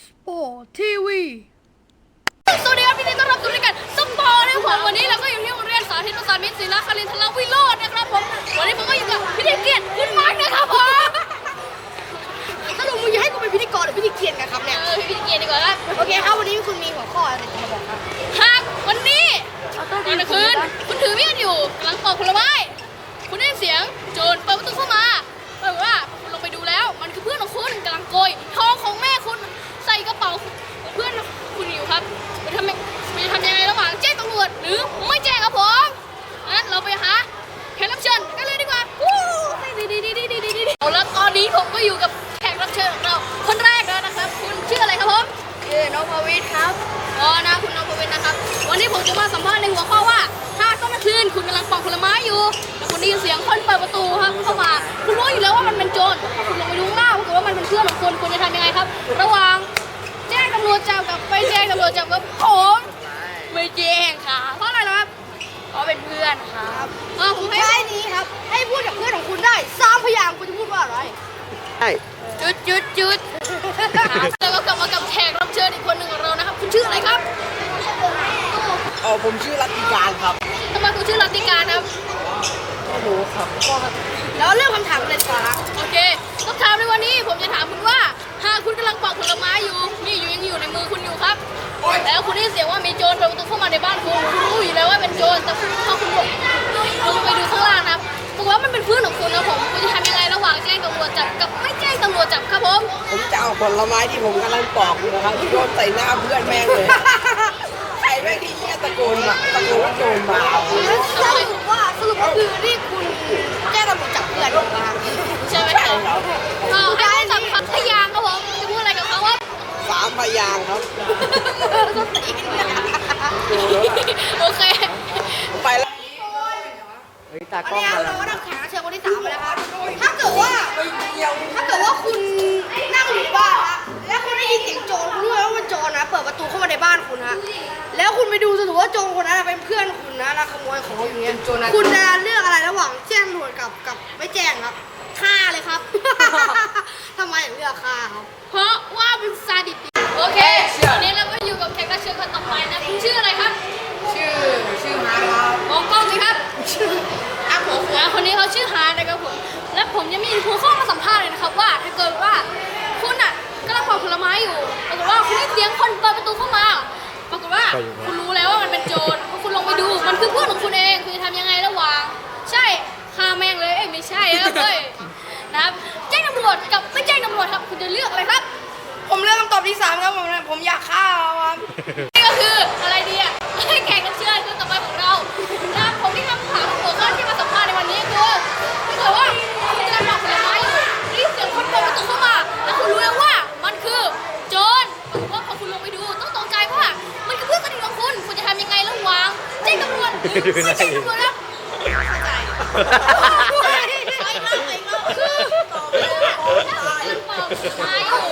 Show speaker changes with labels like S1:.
S1: สปอร์ตทีวี
S2: สวัสดีครับพี่ต้อนรับสู่รายการสปอร์ตนะครับผมวันนี้เราก็อยู่ที่โรงเรียนสาธิตประสานมิตรศิลาคารินทรวิโรจน์นะครับผมวันนี้ผมก็อยู่กับพิธีเกียรติคุณมาร์คนะครับผม
S1: สรุปมึงจะให้กูเป็นพิธีกรหรือพิธีเกียรติกันครับเนี่ย
S2: พิธีเกียรติดีกว่าครับ
S1: โอเคครับวันนี้คุณมีหัวข้ออะไรจะมาบอกครับ
S2: หากวันนี้ตอนกลางคืนคุณถือมีดอยู่กำลังปอกผลไม้คุณได้ยินเสียงโจรเปิดประตูเข้ามาบอกว่าคุณลงไปดูแล้วมันคือเพื่อนของคุณกำลังโกยทองของแม่คุณใส่กระเป๋าเพื่อนคุณอยู่ครับจะทำยังไงระหว่างแจ้งตำรวจหรือไม่แจ้งครับผมงั้นเราไปหาแขกรับเชิญกันเลยดีกว่าเอาแล้วตอนนี้ผมก็อยู่กับแขกรับเชิญของเราคนแรกแล้วนะครับคุณชื่ออะไรครับผม
S1: น้องพวิทย์ครับ
S2: นะคุณน้องพวิทย์นะครับวันนี้ผมจะมาสัมภาษณ์ในหัวข้อว่าถ้าตอนกลางคืนคุณกำลังปอกผลไม้อยู่แล้วคุณได้ยินเสียงคนเปิดประตูครับเข้ามาคุณรู้อยู่แล้วว่ามันเป็นโจรคุณลงไปดูข้างล่างปรากฏว่ามันเป็นเพื่อนของคุณคุณจะทำยังไงครับระหว่างแจ้งตำรวจจับกับไม่แจ้งตำรวจจับกับผมไม่แจ้งค่ะเพราะอะไรนะครับเพราะเป็นเพื่อนครับ
S1: ผมให้นี้ครับให้พูดกับเพื่อนของคุณได้3 พยางค์คุณจะพูดว่าอะไร
S3: ใช่
S2: จุดแล้วก็กลับมากับแขกรับเชิญอีกคนหนึ่งของเรานะครับคุณชื่ออะไรครับ
S3: ผมชื่อรัตติการครับ
S2: ทำไมคุณชื่อรัตติการครับ
S3: ไม่รู้ครับ
S1: แล้วเรื่องคำถามเลยดีกว่า
S2: โอเคคำถามในวันนี้ผมจะถามคุณว่าหากคุณกำลังปอกผลไม้อยู่นี่ยังอยู่ในมือคุณอยู่ครับแล้วคุณได้เสียงว่ามีโจรเปิดประตูเข้ามาในบ้านคุณรู้อยู่แล้วว่าเป็นโจรแต่พอคุณลงไปดูข้างล่างนะครับปรากฏว่ามันเป็นเพื่อนของคุณนะผมคุณจะทำยังไงระหว่างแจ้งตำรวจจับกับไม่แจ้งตำรวจจับครับผม
S3: จะเอาผลไม้ที่ผมกำลังปอกอยู่นะครับโยนใส่หน้าเพื่อนแม่งเลยใครแม่งที่ตะโกนว่าโจรมา
S1: สรุปก็คือที่คุณแจ้งตำรวจจับเพื่อนมา
S2: ใช่ไหมครับให้จับพัทยางครับผมจะพูดอะไรกับเขาว่า
S3: 3 พยางค์ครับ
S2: โอเค
S3: ไปแล้วตากล้องมา
S1: แล้วเราก็ต้องแข่งเชิญคนที่3ไปแล้วครับถ้าเกิดว่าคุณนั่งอยู่บ้านนะแล้วคุณได้ยินเสียงโจรคุณรู้ว่ามันโจรนะเปิดประตูเข้ามาในบ้านคุณฮะแล้วคุณไปดูสรุปว่าโจรคนนั้นเป็นเพื่อนคุณนะแล้วขโมยของอยู่เงี้ยคุณจะเลือกอะไรระหว่างแจ้งตำรวจกับไม่แจ้งครับฆ่าเลยครับทำไมถึงเลือกฆ่าครับ
S2: เพราะว่าเป็นซาดิสโอเควันนี้เราก็อยู่กับแขกรับเชิญคนต่อไปนะคุณชื่ออะไรครับ
S3: ชื่อฮาร์ครับ
S2: มองกล้องสิครับผมคนนี้เขาชื่อฮาร์นะครับผมและผมยังมีหัวข้อมาสัมภาษณ์เลยนะครับว่าถ้าเกิดว่าคุณอ่ะกำลังปอกผลไม้อยู่ปรากฏว่าคุณได้เสียงคนเปิดประตูเข้ามาปรากฏว่าคุณรู้แล้วว่ามันเป็นโจรพอคุณลงไปดูมันคือเพื่อนของคุณเองคุณจะทำยังไงระหว่างใช่ฆ่าแม่งเลยไม่ใช่ครับเฮ้ยนะครับแจ้งตำรวจกับไม่แจ้งตำรวจครับคุณจะเลือกอะไรครับ
S1: ผมเลือกคำตอบที่3ครับผมอยากฆ่าครับ
S2: นี่ก็คืออะไรดีอ่ะให้แข่งกันเชื่อคือต่อไปของเรานะผมที่คำถามหัวข้อที่มาสัมภาษณ์ในวันนี้คือถ้าเกิดว่าคุณกำลังปอกผลไม้อยู่รีบเสียงคนเปิดประตูเข้ามาแล้วคุณรู้แล้วว่ามันคือโจรเพราะว่าพอคุณลงไปดูต้องตกใจว่ามันคือเพื่อนสนิทของคุณคุณจะทำยังไงระหว่างแจ้งตำรวจไม่แจ้งตำรวจครับเข้าใจคือตอบเลยถ้าคุณปอกผลไม้อยู่